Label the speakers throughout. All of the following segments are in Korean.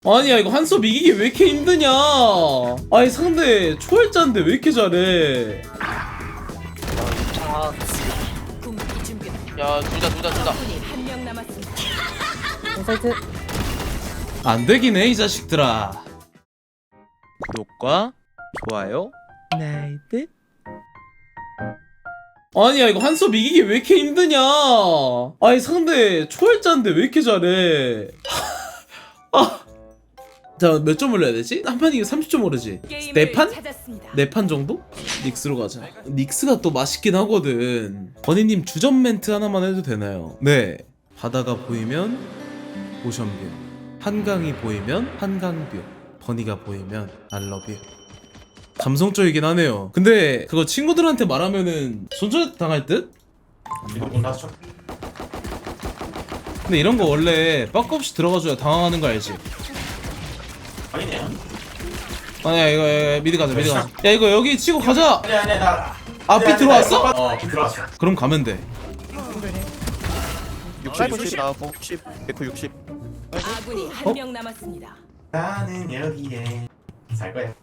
Speaker 1: 아니야 이거 한섭 이기기 왜 이렇게 힘드냐. 아니 상대 초월자인데 왜 이렇게 잘해.
Speaker 2: 야 둘다
Speaker 3: 한명 남았습니다.
Speaker 4: 인사이트.
Speaker 1: 안 되긴 해 이 자식들아. 구독과 좋아요 나이트. 아니야 이거 한섭 이기기 왜 이렇게 힘드냐. 아니 상대 초월자인데 왜 이렇게 잘해. 자 몇 점 올려야 되지? 한 판 이기면 30점 오르지. 네 판? 네 판 정도? 닉스로 가자. 닉스가 또 맛있긴 하거든. 버니님 주전 멘트 하나만 해도 되나요? 네. 바다가 보이면 오션뷰, 한강이 보이면 한강뷰, 버니가 보이면 알러뷰. 감성적이긴 하네요. 근데 그거 친구들한테 말하면은 손절 당할 듯? 근데 이런 거 원래 빠꾸 없이 들어가줘야 당황하는 거 알지?
Speaker 5: 아니네.
Speaker 1: 아니야 이거 미드 가자 미드 가자. 야 이거 여기 치고 가자.
Speaker 5: 아니 나.
Speaker 1: 앞이 들어왔어?
Speaker 5: 어 들어왔어.
Speaker 1: 그럼 가면 돼.
Speaker 6: 60 나왔고 60 160
Speaker 3: 아군이 한명 남았습니다.
Speaker 5: 나는 여기에 살 거야.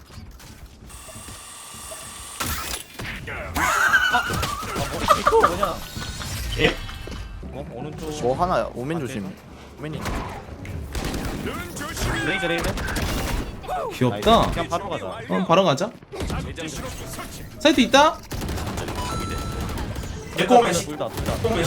Speaker 6: 이거 뭐냐
Speaker 5: 예?
Speaker 6: 오른쪽 뭐 하나 오멘 조심 오멘이 레이저
Speaker 1: 귀엽다.
Speaker 6: 그냥 바로 가자
Speaker 1: 바로 가자. 사이트 있다?
Speaker 5: 에코맨
Speaker 6: 둘다
Speaker 5: 에코맨.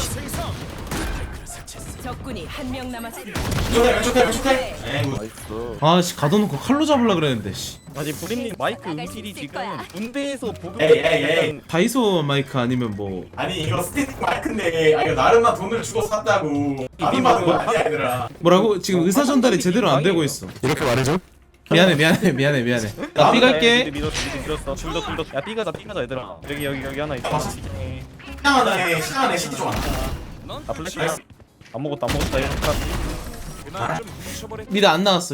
Speaker 3: 적군이 한명 남았습니다.
Speaker 5: 왼쪽에. 에이
Speaker 6: 나이스
Speaker 1: 아씨 가둬놓고 칼로 잡으려 그랬는데 씨.
Speaker 6: 아니 브림님 마이크 음질이 지금 군대에서 보급
Speaker 5: 에이.
Speaker 1: 다이소 마이크 아니면 뭐.
Speaker 5: 아니 이거 스테이크 마이크인데 이거 나름만 돈을 주고 샀다고. 다른 받은 거 아니야 얘들아.
Speaker 1: 뭐라고? 지금 의사 전달이 제대로 안 되고 있어.
Speaker 6: 이렇게 말해줘?
Speaker 1: 미안해. 나 B 갈게.
Speaker 6: 밀었어 둘다 야 삐가자 얘들아 여기 하나 있어
Speaker 5: 시장 안에 시티 좀 왔다.
Speaker 6: 아 플래시 안 먹었다 이렇게
Speaker 1: 미드 안 나왔어.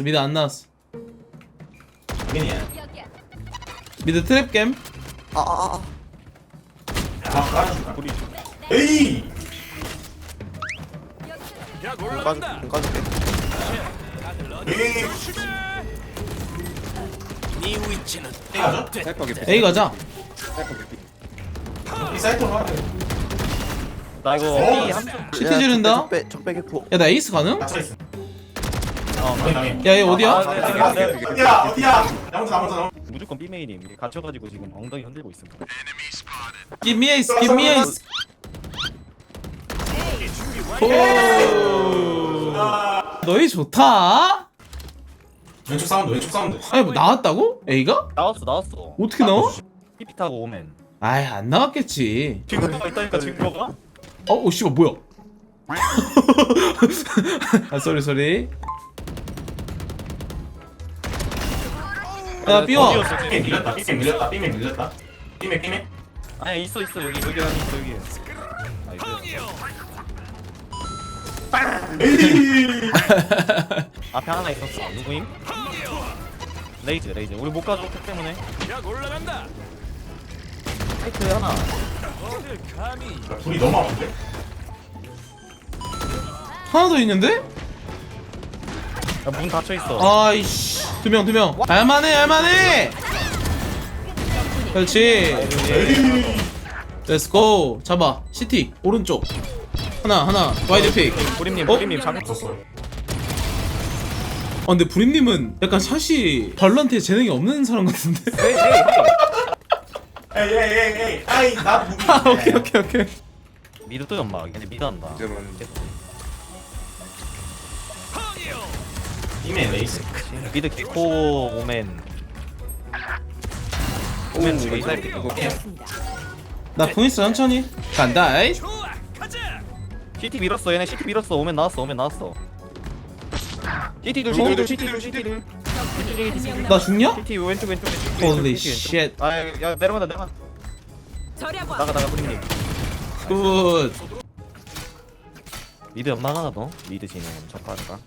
Speaker 5: 민이야.
Speaker 1: 미드 트랩 캠.
Speaker 5: 막 깔아줄까?
Speaker 6: 우리
Speaker 5: 에이.
Speaker 6: 까줄게
Speaker 5: 에이. 가자.
Speaker 1: A 가자.
Speaker 5: 이 사이트로 가.
Speaker 6: 나 이거
Speaker 5: 어.
Speaker 6: B 함정
Speaker 1: 시티 지른다.
Speaker 6: 적배 개포
Speaker 1: 야 나 에이스 가능?
Speaker 5: 갇혀 있어.
Speaker 1: 야 얘 어디야?
Speaker 5: 어디야? 나머지.
Speaker 6: 무조건 B 메인임 이게 갇혀가지고 지금 엉덩이 흔들고 있습니다
Speaker 1: Give me ace. 오. 너희 좋다.
Speaker 5: 왼쪽 사운드.
Speaker 1: 아니 뭐 나왔다고? A가?
Speaker 6: 나왔어
Speaker 1: 어떻게 나와?
Speaker 6: PP 타고 오면
Speaker 1: 아이 안 나왔겠지.
Speaker 6: 지금 있다니까 지금 뭐가?
Speaker 1: 오 씨발 뭐야? 아 쏘리. 야 삐워.
Speaker 5: 삐매 밀렸다. 삐매.
Speaker 6: 아니 있어 여기 안에 있어 여기 앞에 하나 있었어 누구임? 레이즈 우리 못 가져왔기 때문에 사이트 하나
Speaker 5: 둘이 너무 아픈데?
Speaker 1: 하나 더 있는데?
Speaker 6: 야, 문 닫혀있어
Speaker 1: 아이씨 두 명. 할만해. 그렇지. 렛츠고. 잡아. 시티 오른쪽. 하나 와이드 픽.
Speaker 6: 브림님 잠깐
Speaker 5: 없었어.
Speaker 1: 근데 브림님은 약간 샷이 발란트에 재능이 없는 사람 같은데?
Speaker 5: 에이. 아이 나 무기.
Speaker 1: 오케이.
Speaker 6: 미드 또 연막 근데 미드 한다
Speaker 5: 삐매 레이스.
Speaker 6: 미드 기코 오멘 두개 사이트
Speaker 1: 나 보니스 천천히 간다. 에이.
Speaker 6: CT 밀었어 얘네 CT 밀었어 오멘 나왔어 CT 둘
Speaker 1: 나 죽냐?
Speaker 6: CT 왼쪽
Speaker 1: Holy shit.
Speaker 6: 아야 내려간다
Speaker 3: 절약왕.
Speaker 6: 나가 브림님
Speaker 1: 굿.
Speaker 6: 미드 연막 하나 더 미드 진행 첫파르가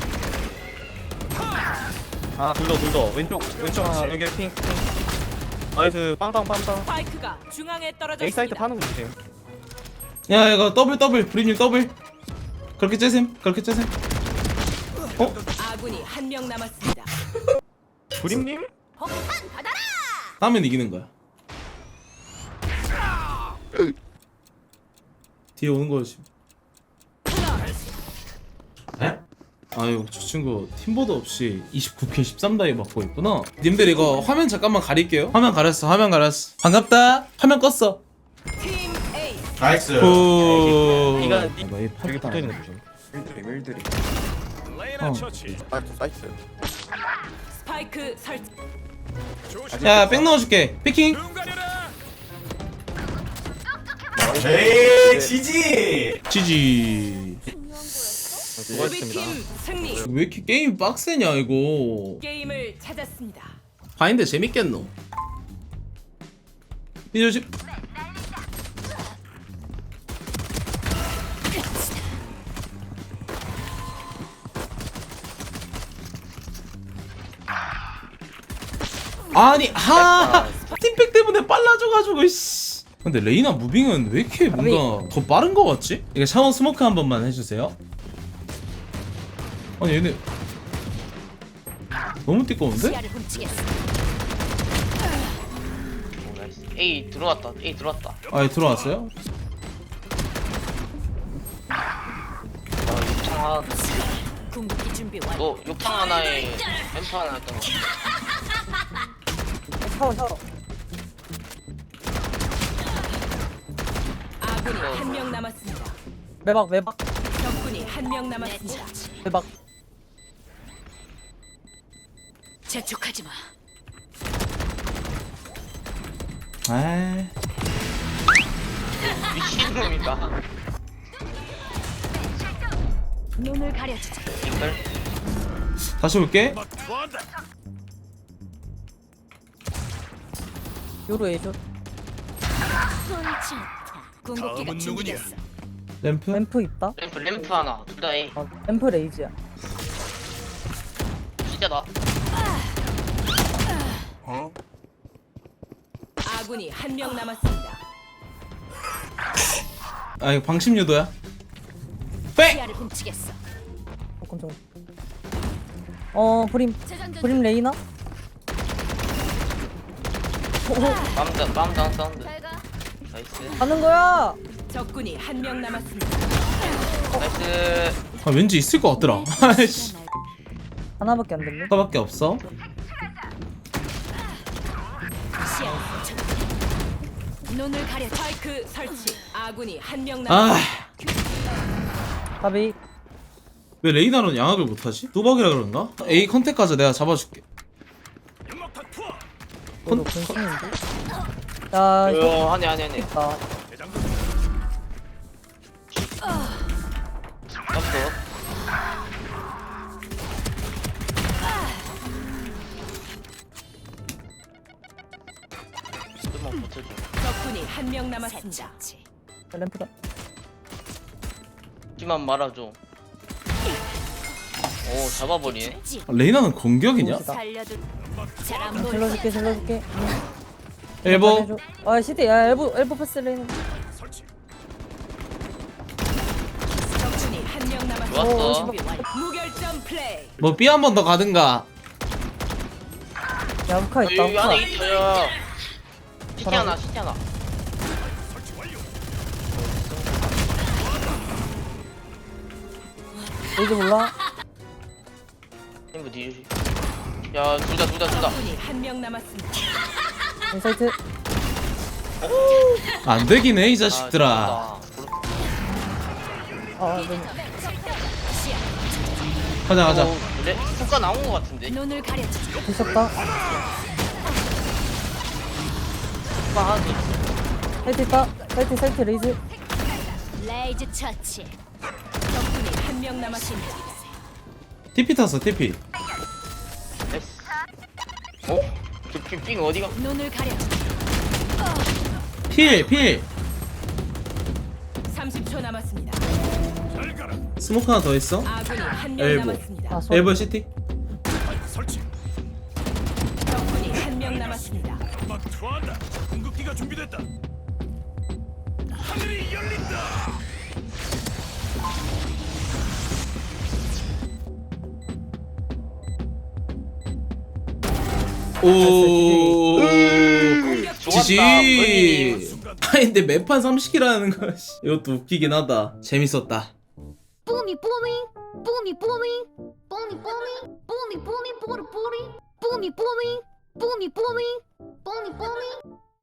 Speaker 6: 둘 더 왼쪽 하나 여기 핑 나이스 빵빵 빵빵.
Speaker 3: 스파이크가 중앙에
Speaker 6: A
Speaker 3: 떨어졌습니다.
Speaker 6: 사이트 파는 거 주세요.
Speaker 1: 야 이거 더블 브리님 더블. 그렇게 째셈 그렇게 째셈.
Speaker 3: 아군이 한 명 남았습니다.
Speaker 6: 브림님?
Speaker 3: 폭탄 받아라.
Speaker 1: 따면 이기는 거야. 뒤에 오는 거지.
Speaker 5: 에?
Speaker 1: 아유 저 친구 팀보드 없이 29K 13다이 맞고 있구나. 님들 이거 화면 잠깐만 가릴게요. 화면 가렸어 반갑다. 화면 껐어.
Speaker 3: 팀 A.
Speaker 5: 나이스.
Speaker 1: 오.
Speaker 6: 이거
Speaker 1: 이
Speaker 6: 여기 붙어 있는 거 조심.
Speaker 2: 밀드리 사이트
Speaker 3: 스파이크 설치.
Speaker 1: 야, 백 넣어줄게. 피킹.
Speaker 5: 에이 지지.
Speaker 1: 지지.
Speaker 6: 수고하셨습니다.
Speaker 3: 수비팀 승리.
Speaker 1: 왜 이렇게 게임 빡세냐 이거.
Speaker 3: 게임을 찾았습니다.
Speaker 1: 바인드 재밌겠노. 삐조심. 아니 팀팩 때문에 빨라져가지고 씨. 근데 레이나 무빙은 왜 이렇게 뭔가 더 빠른 거 같지? 이거 샤워 스모크 한 번만 해주세요. 아니 얘네 너무 띠꺼운데?
Speaker 3: 시야를 훔치겠어.
Speaker 4: A 들어왔다. A 들어왔다.
Speaker 1: 아 들어왔어요?
Speaker 4: 욕탕 하나.
Speaker 3: 궁극기 준비 완료.
Speaker 4: 너 욕탕 하나에 램프 하나 했던 거.
Speaker 3: 아군이 한 명 남았습니다.
Speaker 7: 매박
Speaker 3: 적군이 한 명 남았습니다.
Speaker 7: 매박.
Speaker 3: 재촉하지 마.
Speaker 1: 아
Speaker 4: 미친놈인가?
Speaker 3: 눈을 가려주자.
Speaker 4: 이걸
Speaker 1: 다시 올게.
Speaker 7: 요로 에이쇼.
Speaker 3: 궁극기가 준비됐어.
Speaker 1: 램프.
Speaker 7: 램프 있다.
Speaker 4: 램프 하나. 둘 다 A.
Speaker 7: 램프 레이즈야.
Speaker 4: 진짜다.
Speaker 3: 아군이 한 명 남았습니다.
Speaker 1: 아 이거 방심 유도야. 백.
Speaker 3: 시야를 훔치겠어.
Speaker 7: 깜짝. 브림 레이나.
Speaker 4: 빰다 사운드. 나이스.
Speaker 7: 가는 거야.
Speaker 3: 적군이 한 명 남았습니다.
Speaker 4: 나이스.
Speaker 1: 아 왠지 있을 것 같더라. 아이씨.
Speaker 7: 하나밖에 안 됐네.
Speaker 1: 하나밖에 없어.
Speaker 3: 눈을 가려. 스파이크 설치. 아군이 한 명
Speaker 1: 아.
Speaker 3: 남았습니다.
Speaker 7: 가비.
Speaker 1: 왜 레이나는 양악을 못하지? 뚜벅이라 그런가? A 컨택 가자 내가 잡아줄게.
Speaker 7: 너도 근심인데. 야 이거
Speaker 4: 하네.
Speaker 7: 있다.
Speaker 4: 떴어. 좀만 버텨줘.
Speaker 3: 적군이 한 명 남았습니다.
Speaker 7: 램프다.
Speaker 4: 하지만 말아줘. 오 잡아버리네.
Speaker 1: 아, 레이나는 공격이냐?
Speaker 3: 살려둘. 잘안 보여.
Speaker 7: 질러줄게.
Speaker 1: 엘보.
Speaker 7: 아 시대 야 엘보 패스 레이나.
Speaker 3: 적군이 한 명 남았습니다.
Speaker 4: 좋았어.
Speaker 3: 준비 완료. 무결점 플레이.
Speaker 1: 뭐 B 한 번 더 가든가.
Speaker 7: 야 우카 있다.
Speaker 4: 여기
Speaker 7: 우카.
Speaker 4: 안에 있어요. 시티 하나.
Speaker 7: 레이즈 몰라.
Speaker 4: 템브 뒤주시. 야, 둘 다.
Speaker 3: 적군이 한 명 남았습니다.
Speaker 7: 인사이트.
Speaker 1: 안 되긴 해 이 자식들아.
Speaker 7: 네.
Speaker 1: 가자.
Speaker 4: 그래? 효과 나온 것 같은데.
Speaker 3: 눈을 가려주자.
Speaker 7: 미쳤다.
Speaker 4: 효과 하나 더 있어.
Speaker 7: 사이트 있다. 사이트 레이즈.
Speaker 3: 레이즈 처치. 적군이 한 명 남았습니다.
Speaker 1: TP 탔어 TP.
Speaker 4: 됐어. 어? 빙 어디가?
Speaker 3: 눈을 가려주자.
Speaker 1: 필.
Speaker 3: 30초 남았습니다.
Speaker 1: 스모크 하나 더 있어.
Speaker 3: 아군이 한 명
Speaker 1: 엘보.
Speaker 3: 남았습니다.
Speaker 7: 아 소리.
Speaker 1: 엘보 시티.
Speaker 3: 적군이 한 명 남았습니다.
Speaker 2: 좋아한다. 궁극기가 준비됐다. 하늘이 열린다.
Speaker 1: 오.
Speaker 4: 좋았다.
Speaker 1: 지지.
Speaker 4: 본인이.
Speaker 1: 아니 근데 매판 30킬하는 거 씨. 이것도 웃기긴 하다. 재밌었다.
Speaker 8: Boomy, boomy, boomy, boomy, boomy, boomy, boomy, boomy, boomy, boomy, boomy, boomy, boomy, boomy.